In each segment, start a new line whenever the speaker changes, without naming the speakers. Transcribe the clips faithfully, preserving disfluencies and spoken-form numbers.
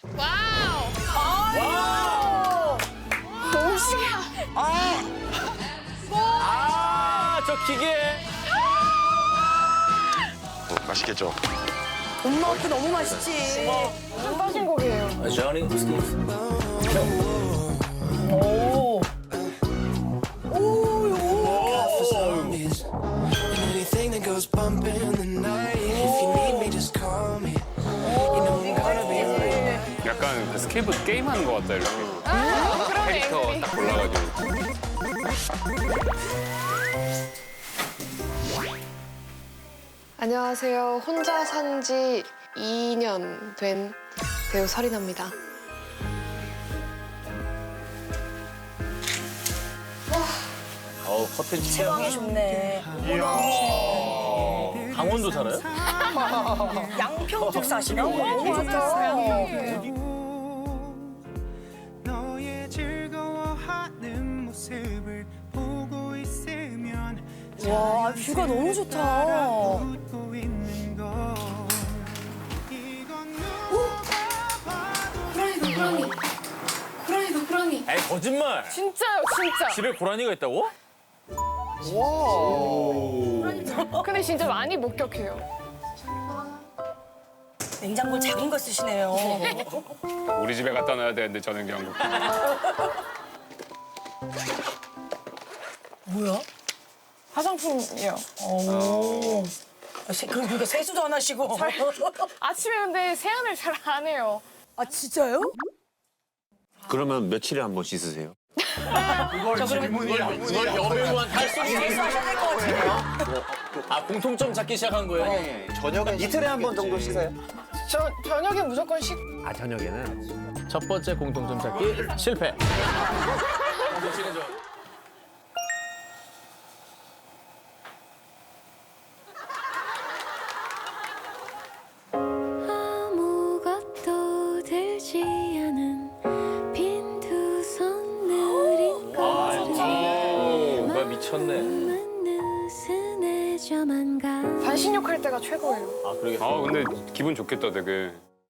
와우.
와우.
너무 신기해.
아. 아, 저 기계.
어, 맛있겠죠?
엄마한테 너무 맛있지.
좀 빠진 곡이에요.
Johnny Steve.
오. 오,
Anything that goes bump in the night. If you need me, just call me. You know I'm gonna be right.
약간 스케이트 게임하는 것 같다, 이렇게.
아, 그러네.
캐릭터 딱 골라가지고.
안녕하세요. 혼자 산 지 이 년 된 배우 설인아입니다.
어우, 커튼
체감이
진짜.
좋네.
강원도 살아요?
양평 쪽 사시나? 너무 좋다.
너의 즐거워하는 모습을 보고 있으면
와, 뷰가 너무 좋다.
웃고 있는 거. 이건 누가 봐도
고라니다, 고라니. 고라니다, 고라니.
에이, 거짓말.
진짜요, 진짜.
집에 고라니가 있다고?
근데 진짜 많이 목격해요.
냉장고 작은 거 쓰시네요.
우리 집에 갖다 놔야 되는데, 저는 경국.
뭐야?
화장품이요.
오. 세, 그, 그러니까 세수도 안 하시고.
아침에 근데 세안을 잘 안 해요.
아, 진짜요?
그러면 며칠에 한 번 씻으세요?
저 그러면
이걸 여배우한 탈수
세수하셔야 될 것 같아요.
아, 공통점 찾기 시작한 거예요?
저녁에 이틀에 한 번 정도 씻어요?
저 저녁에 무조건 식.
아 저녁에는
첫 번째 공통점 찾기 실패.
아무것도 들지 않은 빈 두 손 느린
오, 나 미쳤네.
느슨해져만 가
반신욕 할 때가 최고예요.
아, 그러겠어.
아, 근데 기분 좋겠다, 되게.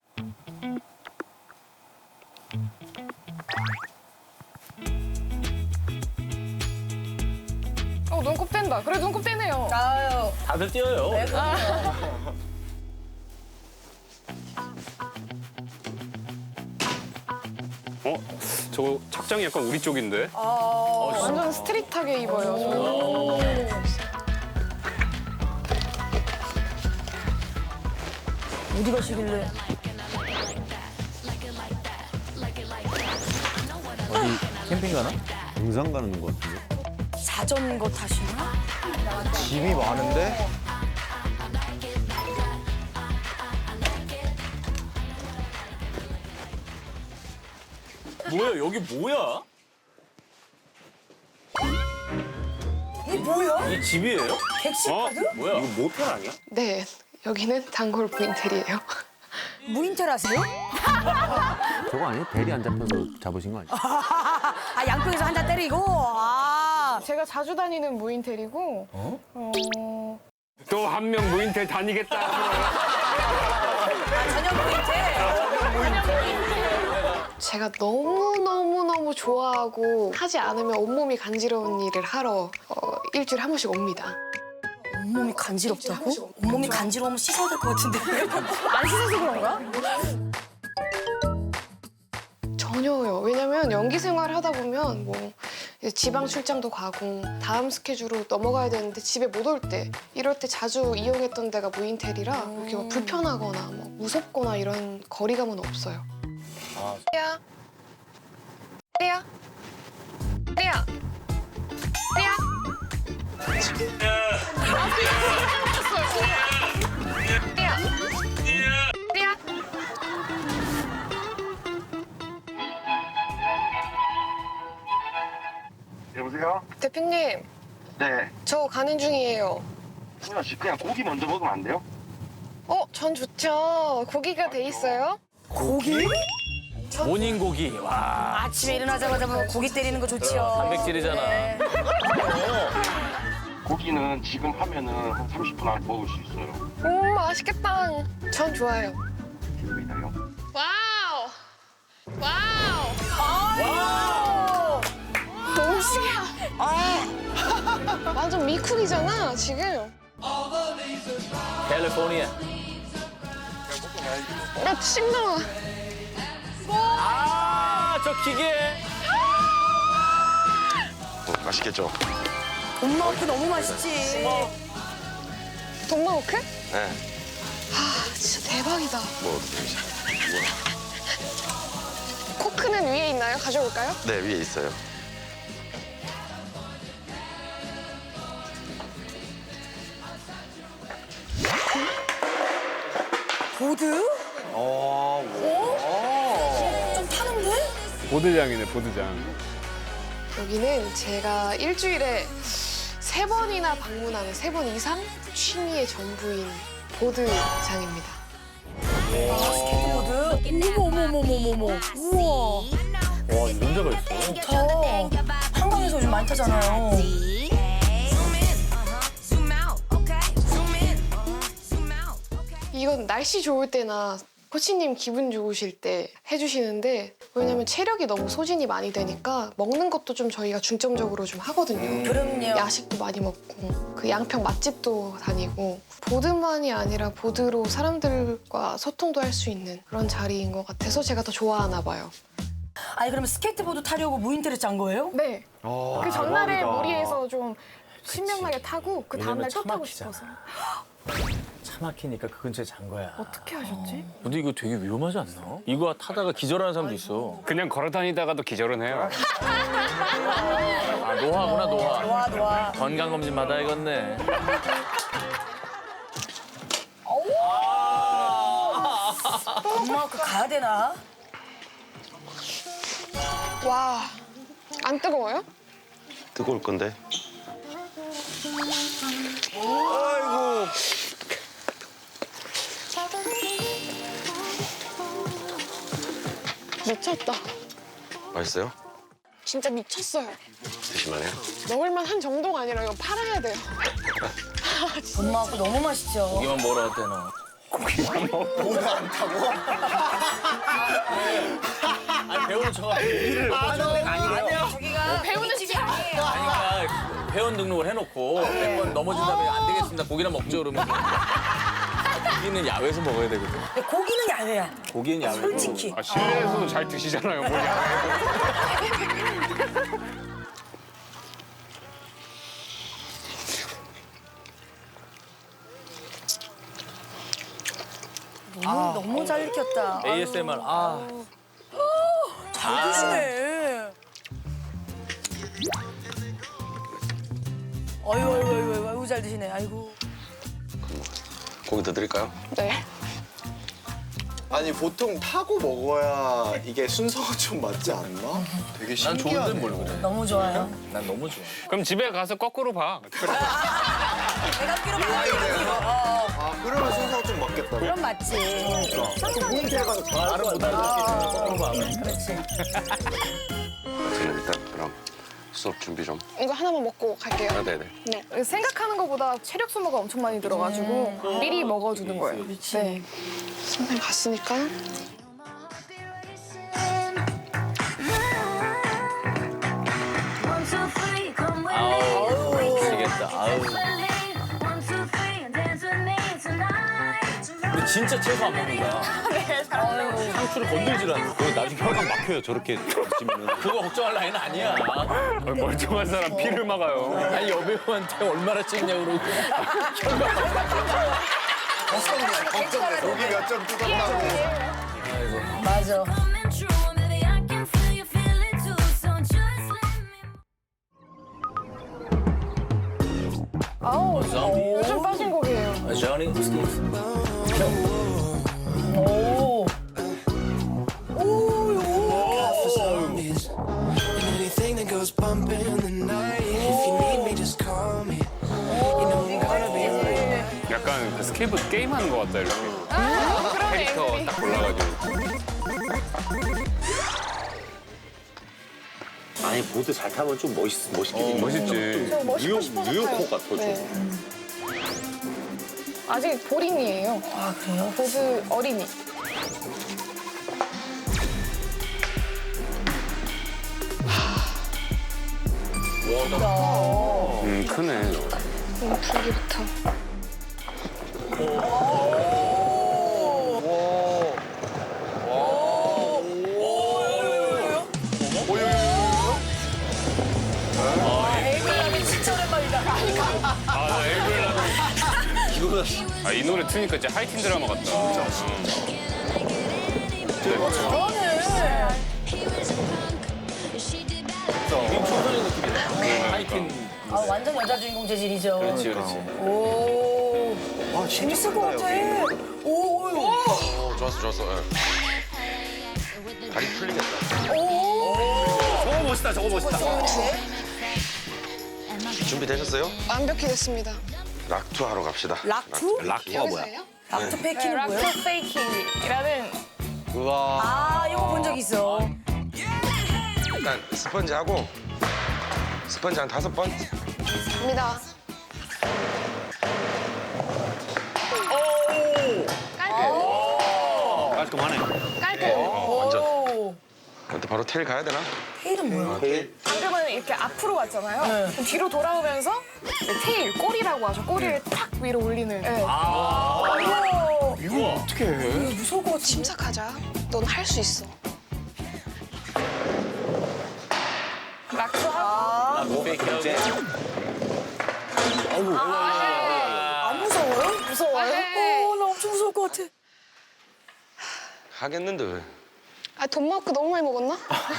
어, 눈곱 뗀다. 그래, 눈곱 떼네요.
아유.
다들 뛰어요.
네, 그럼요.
어? 저거 착장이 약간 우리 쪽인데?
아,
완전 스트릿하게 입어요. 저는.
어디 가시길래.
캠핑 가나?
등산 가는 것 같은데.
자전거 타시나?
집이 많은데?
뭐야, 여기 뭐야?
이게 뭐야?
이 집이에요?
객실카드?
뭐야?
이거 모텔 아니야?
네, 여기는 단골 인테리예요.
무인텔하세요?
저거 아니에요? 대리 안 잡혀서 잡으신 거 아니에요?
아, 양평에서 한 잔 때리고? 아.
제가 자주 다니는 무인텔이고. 어?
또 한 명 무인텔 다니겠다.
아, 저녁 무인텔?
제가 너무너무너무 좋아하고 하지 않으면 온몸이 간지러운 일을 하러 어, 일주일에 한 번씩 옵니다.
온몸이 간지럽다고? 온몸이 간지러우면 씻어야 될 것 같은데.
안 씻어서 그런가? 전혀요. 왜냐면 연기 생활을 하다 보면 뭐 이제 지방 출장도 가고 다음 스케줄로 넘어가야 되는데 집에 못 올 때 이럴 때 자주 이용했던 데가 무인텔이라 이렇게 막 불편하거나 뭐 무섭거나 이런 거리감은 없어요. 리야, 리야, 리야, 리야. 리야, 리야.
여보세요?
대표님,
네.
저 가는 중이에요.
승현 씨, 그냥 고기 먼저 먹으면 안 돼요?
어, 전 좋죠. 고기가 돼 있어요.
고기?
모닝 고기. 와,
아침에 일어나자마자 뭐 고기 때리는 거 좋지요.
단백질이잖아.
네.
고기는 지금 하면은 한 삼십 분 안에 먹을 수 있어요.
음, 맛있겠다. 전 좋아요.
기다려.
와우. 완전 미쿡이잖아 지금.
캘리포니아.
나 침 나와.
아, 저 기계.
맛있겠죠?
엄마 그 너무 맛있지.
돈마호크?
네.
아 진짜 대박이다.
뭐,
코크는 위에 있나요? 가져올까요?
네, 위에 있어요.
보드? 어? 좀 타는데?
보드장이네, 보드장.
여기는 제가 일주일에 세 번이나 방문하는 세 번 이상 취미의 전부인 보드장입니다.
스케이트보드? 어머 어머 어머 어머 어머. 우와.
와, 이런 데가 있어.
더 한강에서 요즘 많이 타잖아요.
이건 날씨 좋을 때나 코치님 기분 좋으실 때 해주시는데 왜냐면 체력이 너무 소진이 많이 되니까 먹는 것도 좀 저희가 중점적으로 좀 하거든요.
그럼요.
야식도 많이 먹고 그 양평 맛집도 다니고 보드만이 아니라 보드로 사람들과 소통도 할 수 있는 그런 자리인 것 같아서 제가 더 좋아하나 봐요.
아니 그러면 스케이트보드 타려고 무인테를 짠 거예요?
네. 그 전날에 무리해서 좀 신명나게 타고 그 다음날 또 타고
차막히잖아.
싶어서.
차 막히니까 그 근처에 잔 거야.
어떻게 하셨지?
근데 이거 되게 위험하지 않나? 이거 타다가 기절하는 사람도 있어.
그냥 걸어 다니다가도 기절은 해요.
아, 노화구나, 노화.
와 와.
건강검진 받아야겠네.
엄마 그 가야 되나?
와, 안 뜨거워요?
뜨거울 건데.
미쳤다.
맛있어요?
진짜 미쳤어요.
드실만해요?
먹을만 한 정도가 아니라 이거 팔아야 돼요.
엄마 그 너무 맛있죠.
고기만 먹으러 왔대, 너. 아니, 배우는 저가 고기를 못 주는 데가 아니래요.
배우는 차.
그러니까 회원 등록을 해놓고 몇 번 넘어진 다음에 안 되겠습니다. 고기나 먹죠, 그러면. 고기는 야외에서 먹어야 되거든.
근데 고기는 야외야.
고기는 야외.
솔직히.
아, 실내에서도 잘 드시잖아요, 뭘 야외에서.
너무, 너무 잘 익혔다.
에이에스엠알. 아,
잘 드시네. 아이고 아이고 아이고 아이고, 아이고 잘 드시네. 아이고.
고기 더 드릴까요?
네.
아니 보통 타고 먹어야 이게 순서가 좀 맞지 않나? 되게
난
신기하네.
좋은데 뭘 그래.
너무 좋아요.
난 너무 좋아.
그럼 집에 가서 거꾸로 봐.
내가 끼로 봐.
아 그러면 순서가 좀 맞겠다.
그럼 맞지.
무인텔 가서
말을 못 알아듣겠네. 거꾸로 봐.
그렇지.
저는 일단 그럼 수업 준비 좀.
이거 하나만 먹고 갈게요.
아, 네네.
네. 생각하는 것보다 체력 소모가 엄청 많이 들어가지고 미리 먹어두는 거예요. 네. 선생님 갔으니까.
아우, 미치겠다. 아우. 근데 진짜 채소 안 먹는 거야. 상추를 건들질 않아.
그거 나중에 혈관 막혀요, 저렇게 드시면은.
그거 걱정할 나이는 아니야.
멀쩡한 사람 피를 막아요.
아니, 여배우한테 얼마나 찍냐고 그러고.
고기 몇 점 뜯었다고.
맞아.
아우, 요즘 빠진 곡이에요.
저니
오.
Anything that goes bump in the night. If you need me, just call me. You know I'm gonna be right.
약간 그 스케이트보드 게임하는 것 같다, 이렇게.
그러네.
캐릭터 딱 골라가지고.
아니 보드 잘 타면 좀 멋있 멋있긴 해.
멋있지.
저 멋있고
뉴욕
싶어서
뉴욕
타요.
코 같아 좀.
네. 아직 보린이에요.
아 그래요?
보드 어린이.
음, 크네.
너무 불기부터.
에이블람이 진짜 오랜만이다.
아, 나 에이블 아, 이 노래 트니까 진짜 하이틴 드라마 같다.
청소년 느낌이네. 하이틴.
아, 완전 여자 주인공 재질이죠.
그렇지, 그렇지.
오,
아,
재밌을 것 같아. 오, 오, 오.
오, 좋았어, 좋았어. 예. 다리 풀리겠다.
저거 멋있다, 저거 멋있다.
준비되셨어요?
완벽히 됐습니다.
락투 하러 갑시다.
락투?
락투가 뭐야?
여기서예요?
락투 페이킹은 뭐야?
락투 페이킹이라는
우와.
아, 이거 본 적 있어.
일단 스펀지 하고 스펀지 한 다섯 번.
갑니다.
깔끔하네.
깔끔.
어, 완전.
오,
근데 바로 테일 가야 되나?
테일은 뭐야?
방금은 이렇게 앞으로 왔잖아요. 그럼 뒤로 돌아오면서 이제 테일, 꼬리라고 하죠. 꼬리를 탁 위로 올리는. 네.
이거
이거 어떻게 해?
무서울 것 같아.
침착하자. 넌 할 수 있어.
락투 하고
아,
페이크하고.
안 무서워요? 무서워요?
에이.
오, 나 엄청 무서울 것 같아.
하겠는데 왜?
아, 돈 먹고 너무 많이 먹었나?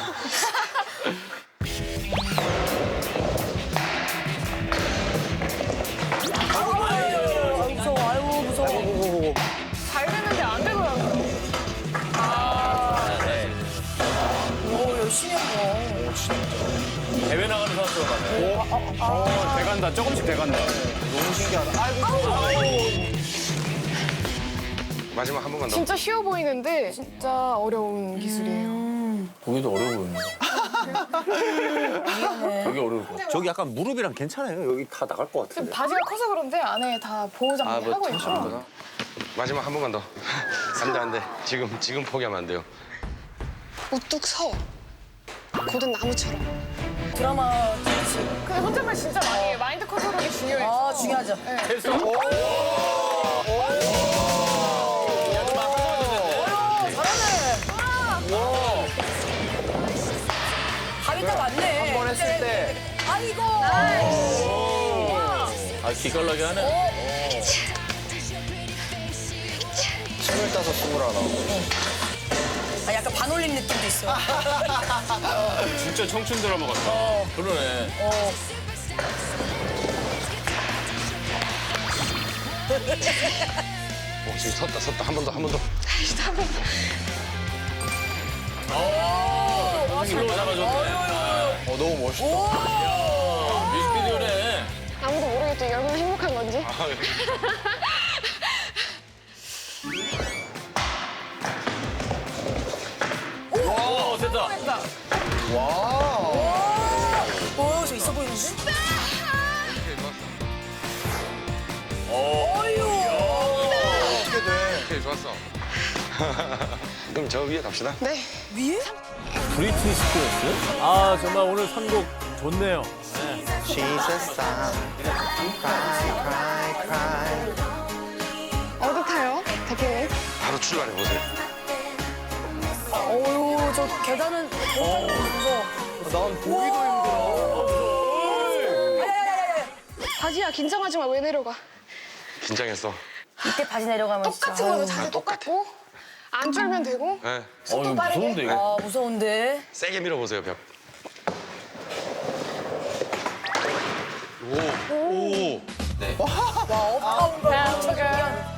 아, 무서워. 아유, 무서워.
잘 되는데 안 되더라고요.
오, 열심히 한 거.
대회 나가는 선수가 가네.
어, 돼간다. 조금씩 돼간다.
너무 신기하다. 아이고.
마지막 한 번만 더.
진짜 쉬워 보이는데 진짜 어려운 기술이에요.
보기도 어려워 보이네. 되게 어려울 것 같아.
저기 약간 무릎이랑 괜찮아요. 여기 다 나갈 것
지금
같은데.
바지가 커서 그런데 안에 다 보호 장비
아, 뭐
하고 있고.
하시는구나.
마지막 한 번만 더. 안돼 안돼. 지금 지금 포기하면 안 돼요.
우뚝 서. 고든 나무처럼.
드라마 재밌지.
근데 혼잣말 진짜 많이 해요. 마인드 컨트롤이 중요해요.
아, 중요하죠.
됐어.
가위가 많네. 한 번 했을 때. 아이고.
아, 기깔나게 하네.
스물다섯, 스물하나.
아, 약간 반올림 느낌도 있어.
진짜 청춘 드라마 같다.
그러네.
오, 지금 섰다 섰다 한 번 더 한 번 더.
슬로우 잡아줬네.
어, 너무 멋있다.
뮤직비디오네.
아무도 모르겠죠. 이게 얼마나 행복한 건지.
아, 예.
오, 됐다.
와.
오, 저 있어 보이는데?
어떻게 돼?
오케이 좋았어. 그럼 저 위에 갑시다.
네.
위에?
브리트니 스피어스? 아, 정말 오늘 선곡 좋네요.
She's a star. Cry, cry, cry.
어디 타요? 대표님?
바로 출발해 보세요.
어유, 저 계단은 무서워.
난 보기도 힘들어.
야야야야야.
바지야, 긴장하지 마. 왜 내려가?
긴장했어.
이때 바지 내려가면
똑같은
진짜.
거죠. 자세 똑같고. 안 쫄면 되고.
네.
어, 이거
빠르게.
무서운데, 이거.
아, 무서운데.
세게 밀어보세요 벽. 오. 오.
와, 업다운 거 엄청 신기한.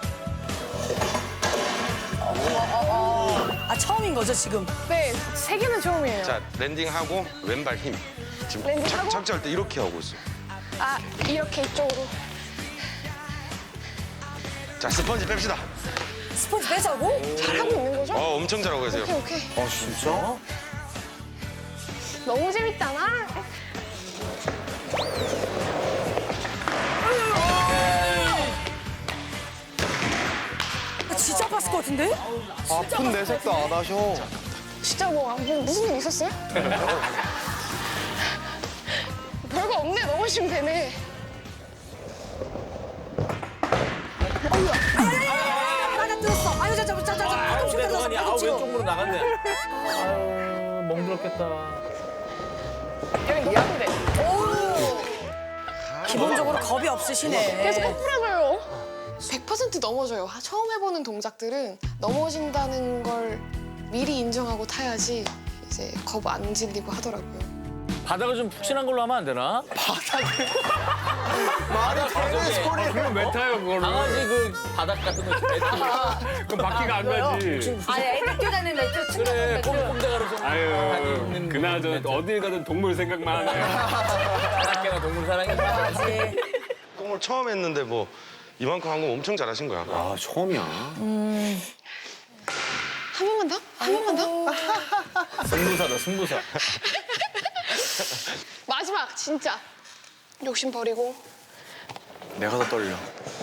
아, 처음인 거죠, 지금?
네, 세 개는 처음이에요.
자 랜딩하고 왼발 힘. 지금
랜딩하고?
착, 착지할 때 이렇게 하고 있어.
아, 이렇게 이쪽으로.
자 스펀지 뺍시다.
스포츠 빼자고?
잘하고 있는 거죠?
어 엄청 잘하고 계세요.
오케이, 오케이.
아, 진짜?
너무 재밌다, 나.
아, 진짜 아팠을 것 같은데?
아픈 내색도 안 하셔.
진짜 뭐, 뭐 무슨 일 있었어요? 별거 없네. 넘어지면 되네.
나가 뜯었어. 아유 저저 저 저
아유,
저
내
저
노안이 아우 왼쪽으로 나갔네. 아유, 멍들었겠다.
여기 노란데.
기본적으로 겁이 없으시네.
계속 거꾸라져요. 백 퍼센트 넘어져요. 하- 처음 해보는 동작들은 넘어진다는 걸 미리 인정하고 타야지 이제 겁 안 질리고 하더라고요.
바닥을 좀 푹신한 걸로 하면 안 되나?
말이 되는 소리를.
그럼 왜 타요 그거를?
강아지 그 바닥 같은 거 매트.
그럼 바퀴가 안 가지.
아니 학교 다니는 매트
그래, 꼼꼼대가로 좀
아유,
다니는
그나저
매트.
어딜 가든 동물 생각만 하네.
바닷개나 동물 사랑이야.
꽁을 처음 했는데 뭐 이만큼 한 거 엄청 잘하신 거야.
아 처음이야.
한 번만 더? 한 번만 더?
승부사다, 승부사.
마지막 진짜 욕심 버리고.
내가 더 떨려.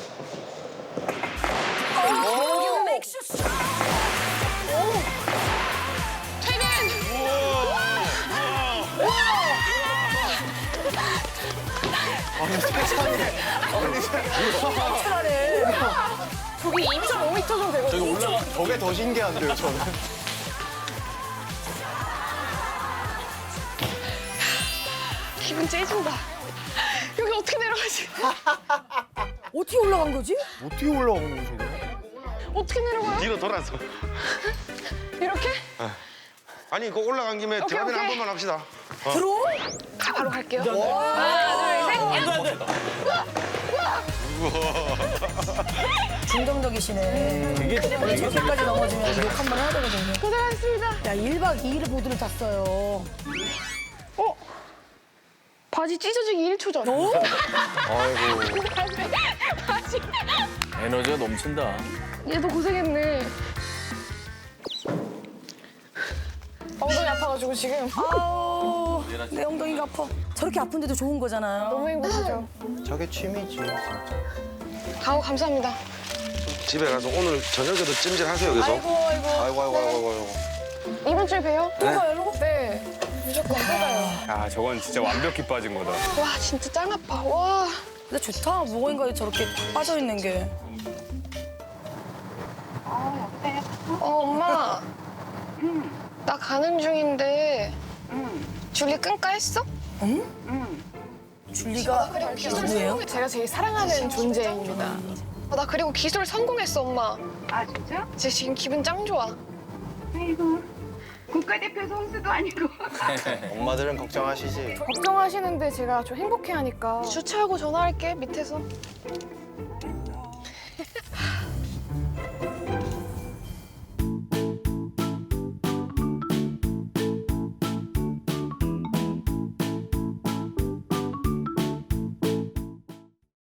저기 이 점 오 미터 정도 되거든요.
저기 올라가. 저게 더 신기한데요, 저는.
기분 째진다. 여기 어떻게 내려가지?
어떻게 올라간 거지?
어떻게 올라오는 거야, 저게?
어떻게 내려가요?
뒤로 돌아서.
이렇게?
아니 그 올라간 김에
오케이,
드라이빙 한
오케이.
번만 합시다.
들어?
가, 바로 갈게요.
중동적이시네. 되게 저기까지 넘어지면 욕 한 번 해야 되거든요.
고생하셨습니다.
야 일 박 이 일을 보드를 탔어요.
어? 바지 찢어지기 일 초 전.
아이고.
바지.
에너지가 넘친다.
얘도 고생했네. 엉덩이 아파가지고 지금.
아우 내 엉덩이가 아파. 저렇게 아픈데도 좋은 거잖아요.
너무 행복하죠.
저게 취미지, 진짜.
가오 감사합니다.
집에 가서 오늘 저녁에도 찜질하세요 여기서.
아이고 아이고.
아이고, 아이고, 아이고, 아이고.
이번 주에 봬요.
또 가요?
네. 무조건 또 가요.
아 저건 진짜 완벽히 빠진 거다.
와 진짜 짱 아파. 와.
근데 좋다. 무거운가에 저렇게 탁 빠져 있는 게.
어 엄마. 나 가는 중인데. 줄리 끈까 했어?
줄리가 누구예요?
제가 제일 사랑하는 존재입니다. 어, 나 그리고 기술 성공했어 엄마.
아 진짜?
제 지금 기분 짱 좋아.
아이고 국가대표 선수도 아니고
엄마들은 걱정하시지.
걱정하시는데 제가 좀 행복해하니까. 주차하고 전화할게 밑에서.